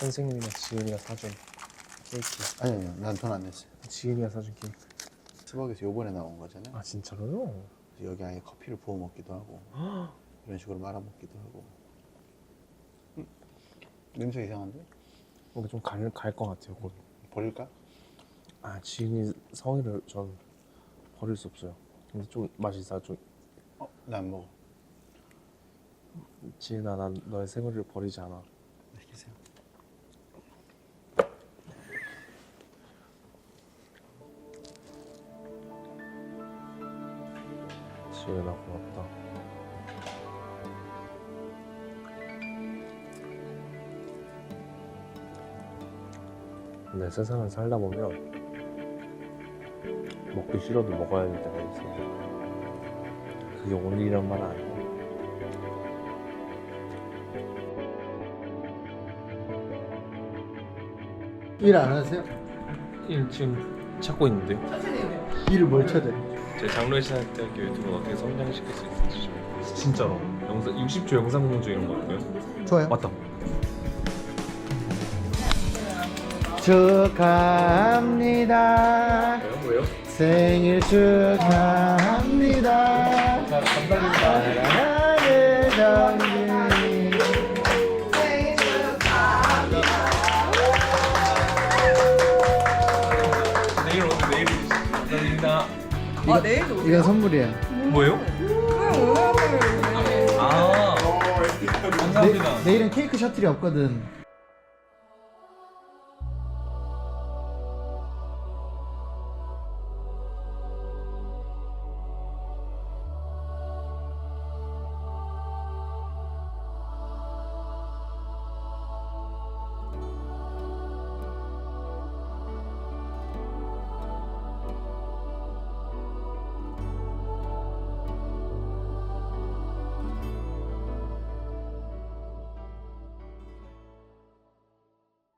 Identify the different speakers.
Speaker 1: 선생님이랑 지은이가 사준 케이크.
Speaker 2: 아니요, 난 돈 안 냈어요.
Speaker 1: 지은이가 사준 케이크.
Speaker 2: 스벅에서 요번에 나온 거잖아요.
Speaker 1: 아 진짜로요?
Speaker 2: 여기 아예 커피를 부어 먹기도 하고 이런 식으로 말아 먹기도 하고. 냄새 이상한데?
Speaker 1: 여기 좀 갈 것 같아요 곧.
Speaker 2: 버릴까?
Speaker 1: 아 지은이 성의를 전 버릴 수 없어요. 근데 좀 맛이 있어. 좀
Speaker 2: 나 안 먹어.
Speaker 1: 지은아 난 너의 생일을 버리지 않아.
Speaker 2: 시키세요.
Speaker 1: 지은아 고맙다. 근데 세상을 살다 보면 먹기 싫어도 먹어야 될 때가 있어요. 그게 오늘이란 말은 아니고.
Speaker 2: 일 안 하세요?
Speaker 1: 일 지금 찾고 있는데요.
Speaker 2: 일을 뭘 찾아요?
Speaker 1: 제 장로신학대학교 유튜브는 어떻게 성장시킬 수 있을지 진짜로 60초 영상 공유 이런 거 어때요?
Speaker 2: 좋아요.
Speaker 1: 맞다.
Speaker 2: 축하합니다.
Speaker 1: 왜요?
Speaker 2: 생일 축하합니다.
Speaker 1: 감사합니다.
Speaker 2: 사랑하는 정준이.
Speaker 1: 내일 오늘 내일 감사합니다.
Speaker 3: 내일도 오세요?
Speaker 2: 이건 선물이에요.
Speaker 1: 뭐예요? 아 감사합니다.
Speaker 2: 내일은 케이크 셔틀이 없거든.